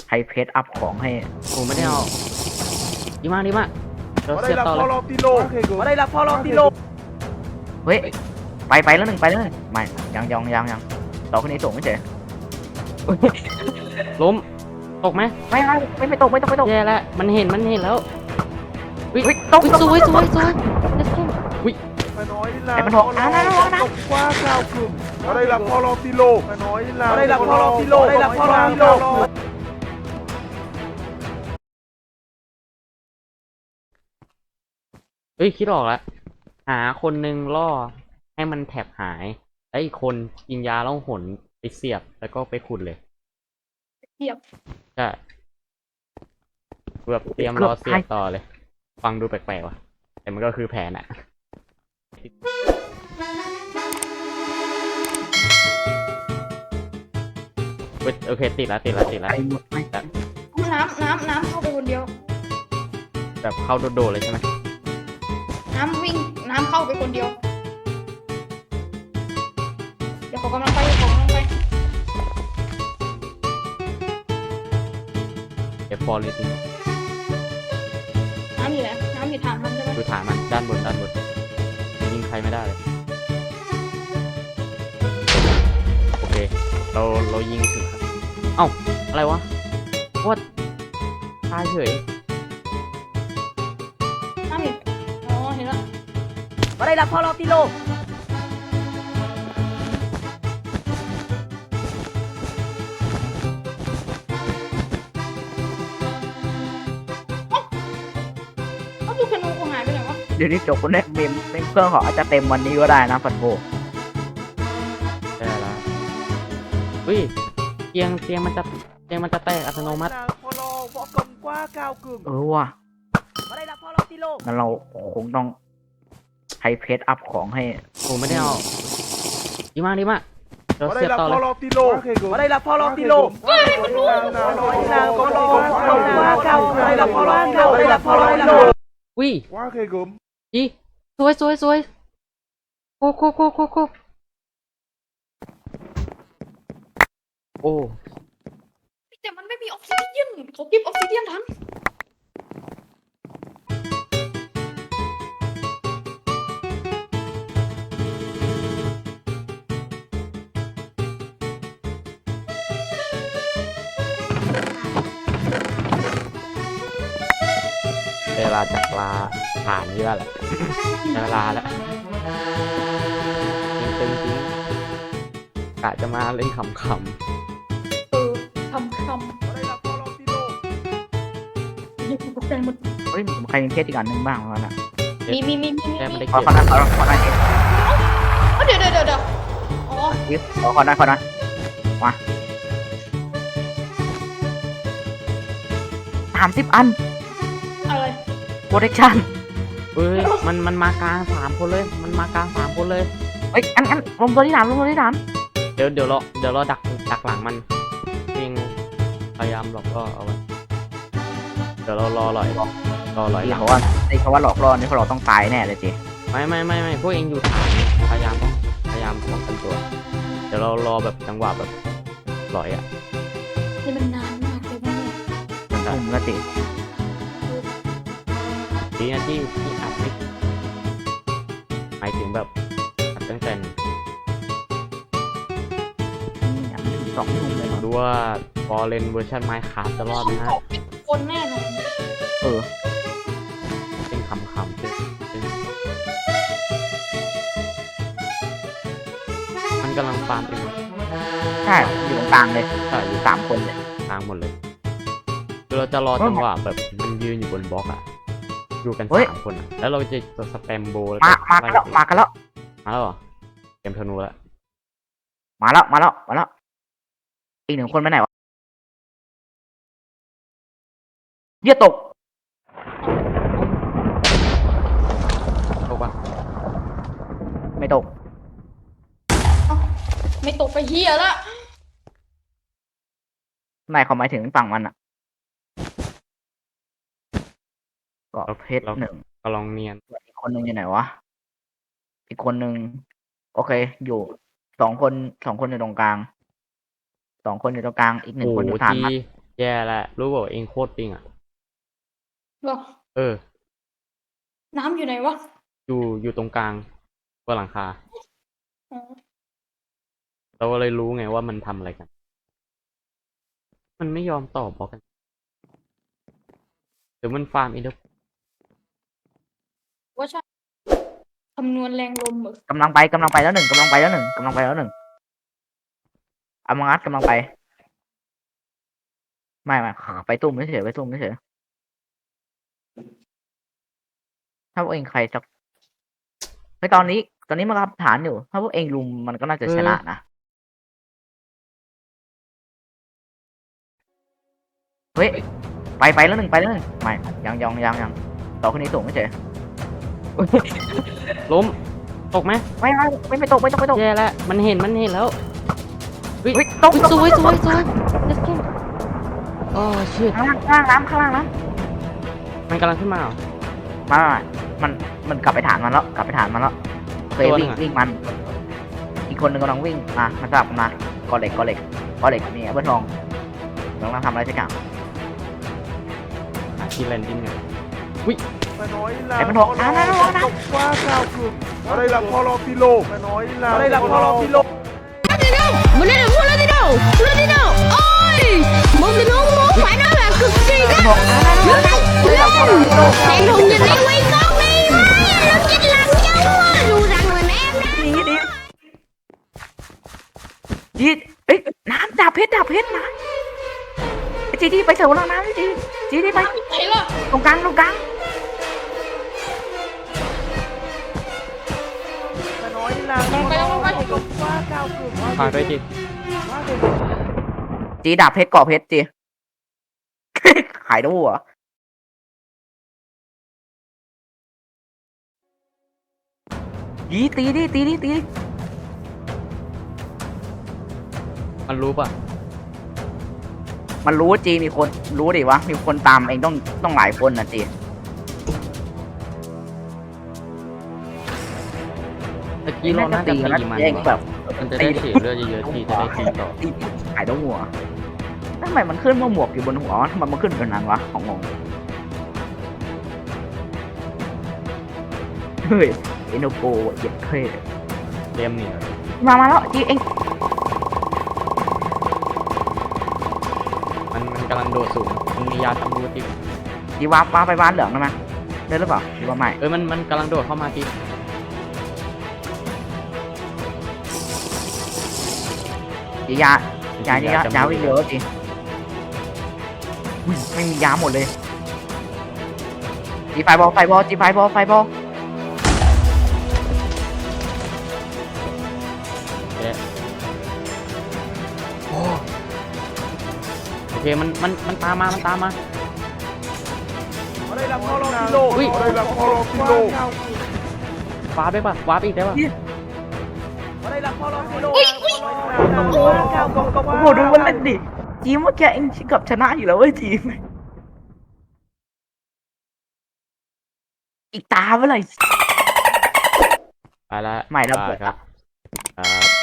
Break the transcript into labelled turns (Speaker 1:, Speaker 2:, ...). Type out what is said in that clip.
Speaker 1: ใครเพจอัพของให้
Speaker 2: ผมไม่ได้เอาดีมากดีมากเรา
Speaker 3: มา
Speaker 2: เสี
Speaker 3: ได้
Speaker 2: ยบ
Speaker 3: รับ
Speaker 2: ต่อ
Speaker 3: พอ
Speaker 2: เล
Speaker 3: ล
Speaker 2: ย
Speaker 3: องตีโลมาได้รับพอลองตีโล
Speaker 1: เฮ้ยไปแล้วหนึ่งไม่ยังต่อคนนี้ส่งไม่เฉย
Speaker 2: ล้มตกไหม
Speaker 1: ไม่ตก
Speaker 2: แย่แล้วมันเห็นแล้ววิ
Speaker 1: เฮ้ยตก
Speaker 2: สวยlet's go วิ
Speaker 3: มาน้อยลา
Speaker 1: ไอ้มันบอกนะ
Speaker 3: ตกกว้าข้าวกลุ่มมาได้รับพอลองตีโลมาน้อยลามาได้รับพอลองตีโลมาได้รับพอลองตีโล
Speaker 2: เฮ้ยคิดออกแล้วหาคนหนึ่งล่อให้มันแถบหายแล้วอีกคนยิงยาแล้วหนไปเสียบแล้วก็ไปขุดเลย
Speaker 4: เทียบ
Speaker 2: ใช่แบบเตรียมรอเสียบต่อเลย ฟังดูแปลกๆว่ะแต่มันก็คือแผนอะเว้ยโอเคติดละ
Speaker 1: ไปหมดไหม
Speaker 4: น้ำเข้าไปคนเดียว
Speaker 2: แบบเข้าโดดๆเลยใช่ไหม
Speaker 4: น้ำเข้าไปคนเดียว เดี๋ยวขอกำลังไป
Speaker 2: เก็บฟอร์เรสต์
Speaker 4: น้ำอยู่ไหนน้ำอยู่ฐานมันใช่ไหม
Speaker 2: ดูฐานมันด้านบนยิงใครไม่ได้เลยโอเคเรายิงถึงครับเอ้าอะไรวะว่าตายเฉย
Speaker 4: น้ำอยู่อ๋อเห็นแล้ว
Speaker 1: มาได้รับพอลองตีโล
Speaker 4: เอ้าดูคนูคงหายไปไหนวะ
Speaker 1: เดี๋ยวนี้จบคนแรกเมมเครื่องของอาจจะเต็มวันนี้ก็ได้นะฟันโบ
Speaker 2: ได้แล้วอุ้ยเตียงมันจะแตกอัตโนมัติ
Speaker 3: พอลองพอกำกว้าข้าวกลุ่ม
Speaker 1: ว่ะ
Speaker 3: มาได้รับพอลองตีโล
Speaker 1: งั้นเราคงต้องใช้เพจอัพของให้
Speaker 2: ผมไม่ได้เอาดีมากเรา
Speaker 3: มาได้
Speaker 2: เสียบ
Speaker 3: รับ
Speaker 2: ต่อ
Speaker 3: พ
Speaker 2: เล
Speaker 3: อย ลองตีโลมาได้รับพอลองตีโลมาน้อยลาพอลองข้าวมาได้รับพอลองข้าวมาได้รับพอลองตีโล
Speaker 2: อุ้ย
Speaker 3: ว่าเคยกลุ่ม
Speaker 2: จีสวยโคโอ้
Speaker 4: แต่มันไม่มีออกซิเดียนเขาเก็บออกซิเดียนทัน
Speaker 2: เวลาจากลาผ่านนี่แล้วแหละเวลาแล้วตึงจริงกะจะมาเล่นขำ
Speaker 4: ทำ
Speaker 3: มาได้รับพอลองตีโล
Speaker 4: ยังตกใจหมด
Speaker 1: เฮ้ยใครมีเพจอีกอันหนึ่งบ้างวะน่ะ
Speaker 4: มี
Speaker 2: แค่ไม่ได้
Speaker 1: ขอ
Speaker 2: เก็บ
Speaker 1: นั้น
Speaker 4: เดี๋ยวอ๋อ
Speaker 1: ขอนั้นมา30 อัน
Speaker 4: อะไร
Speaker 1: โปรเทคชั่น
Speaker 2: เฮ้ยมันมากลาง3 คนเลย
Speaker 1: เฮ้ยอันลงตัวที่ฐาน
Speaker 2: เดี๋ยวเราดักหลังมันเองพยายามหลอกล่อเอาไว้เดี๋ยวเรารอหลอยหลั
Speaker 1: ที่
Speaker 2: ง
Speaker 1: เขาว่าหลอกล่อนี่เราต้องตายแน่เลยจี
Speaker 2: ไม่พวกเองอยู่ฐานพยายามป้องกันตัว เดี๋ยวเรารอแบบจังหวะแบบหลอยอ่ะ
Speaker 4: นี่มันนานมากเลยนะเนี่ย
Speaker 1: ทุ่มแล้วจี
Speaker 2: ดีนะที่อัดไม่หมายถึงแบบอัดตั้งแต่
Speaker 1: อย่างนี้ถึง2 ทุ่มเลยเนาะ
Speaker 2: ดูว่าฟอร์เรนเวอร์ชันไมค์คราฟจะรอดไหมฮะ
Speaker 4: เขาเป็นคนแน่นอน
Speaker 2: เป็นคำซึ่งมันกำลังฟาร์มเอง
Speaker 1: ใช่อยู่ตรงกลางเลย
Speaker 2: ใช่อยู่
Speaker 1: 3 คนเลย
Speaker 2: กลางหมดเลยคือเราจะรอจังหวะแบบมันยืนอยู่บนบล็อกอ่ะอยู่กัน3 คนอ่ะแล้วเราจะสแปมโบแล้ว
Speaker 1: มากันแล้ว
Speaker 2: มาแล้วเหรอเกมธนูแล้ว
Speaker 1: มาแล้วอีก 1 คนไปไหนวะเยี่ยตก
Speaker 2: ตกปะ
Speaker 1: ไม่ตก
Speaker 4: ไม่ตกไปเฮียละ
Speaker 1: นายเขาหมายถึงฝั่งมันอ่ะก็เพชร 1
Speaker 2: ก็ลองเนียน
Speaker 1: อีกคนนึงอยู่ไหนวะอีกคนนึงโอเค อยู่2 คนอยู่ตรงกลาง 2 คนอยู่ตรงกลางอีก 1 คนอยู่ฐาน
Speaker 2: จี
Speaker 1: มัน
Speaker 2: แย่แล้วรู้บอกเองโคตรปิงอ่ะ
Speaker 4: หรอ
Speaker 2: เออ
Speaker 4: น้ำอยู่ไหนวะ
Speaker 2: อยู่ตรงกลางบนหลังคา
Speaker 4: อ๋อ
Speaker 2: เราก็เลยรู้ไงว่ามันทำอะไรกัน มันไม่ยอมตอบบอกกันเดี๋ยวมันฟาร์มอินเดอร์
Speaker 4: ว่าใช่คำนวณแรงลมเหรอก
Speaker 1: ำลังไปแล้วหนึ่งอามังัดกำลังไปไม่ไปตุ้มไม่เฉยถ้าพวกเองใครสักไตอนนี้มันรับฐานอยู่ถ้าพวกเองลุมมันก็น่าจะชนะนะเฮ้ยไปแล้วหนึ่งไม่ยังต่อคนนี้สูงไม่เฉย
Speaker 2: ล้ม ตกไหม
Speaker 1: ไม่ตก
Speaker 2: แย่แล้ว มันเห็นแล้วเฮ้ย
Speaker 1: เฮ้ยตก
Speaker 2: สวย let's go โอ้ชิต
Speaker 1: ข้างล่างน้ำ
Speaker 2: มันกำลังขึ้นมาเหรอ
Speaker 1: มันกลับไปฐานมันแล้วเคย
Speaker 2: ตัวหนึ่
Speaker 1: วิ่
Speaker 2: ง
Speaker 1: ง
Speaker 2: อะ
Speaker 1: มันอีกคนหนึ่งกำลังวิ่งมาจับมากอเหล็กมีแอปเปิลทองกำลังทำอะไรสักอย่าง
Speaker 2: หาที่แลนดิ้งไง
Speaker 3: มาน้อยลา
Speaker 1: ไอ้มันบอกนะ
Speaker 3: ว่าข้าวคืออะไรล่ะพอรอกิโลมาน้อยลาอะไรล่ะพอรอกิโล
Speaker 5: Beneran mulai tidak? Mulai tidak? Oi, mau minum mau phải nói là cực kỳ đó. Thằng Hùng nhìn em quay con đi, nó chết lặng nhau á, dù rằng là em đó.
Speaker 1: จีเอ้ยน้ำดับเพชรนะไอ้จีไปเสริมพลังน้ำจีไป
Speaker 4: ไหนล่ะ
Speaker 1: ตรงกลาง
Speaker 3: มาน้อยลาว่าข้าวคือ
Speaker 2: ฝากด้วยจิ
Speaker 1: จีดับเพชรก่อเพชรจี ขายด้วยเหรอยีตีดิ
Speaker 2: มันรู้ป่ะ
Speaker 1: มันรู้จีมีคนรู้ดิวะมีคนตามเองต้องหลายคนนะจี
Speaker 2: ตะกี้เราน่าจะตีมัน
Speaker 1: เองแบ
Speaker 2: ว่ะ
Speaker 1: บ
Speaker 2: มันจะได้เสียเลือดเยอะๆทีจะได้ตีต่อ
Speaker 1: ตีขายด้วยหัวทำไมมันขึ้นว่าหมวกอยู่บนหัวทำไมมันขึ้นเป็นนั้นวะของงงเฮ้ยเอโนโกเหยียดเท่
Speaker 2: เรียมเนี่ย
Speaker 1: มาแล้วจีเอง
Speaker 2: มันกำลังโดดสูง มันมียาทำรูติ
Speaker 1: จีวาไปบ้านเหลืองได้ไหมได้หรือเปล่าจีว่าไม่
Speaker 2: มันกำลังโดดเข้ามาที
Speaker 1: จียาวิ่งเร็วจีไม่มียาหมดเลยจีไฟบอล
Speaker 2: โอเคมันตามมา
Speaker 3: อะไรล่ะพอรอกิโลอะไรล่ะพอรอกิโล
Speaker 2: วาร์ปได้ป่ะวาร์ปอีกได้ป่ะ
Speaker 3: อะไรล่ะพอรอกิโล
Speaker 1: โอ้โหดูมันเล่นดิจีเมื่อกี้เองกับชนะอยู่แล้วเว้ยจีอีกตาเมื่อไหร่
Speaker 2: ไปละ
Speaker 1: ไม่แล้ว
Speaker 2: ครับ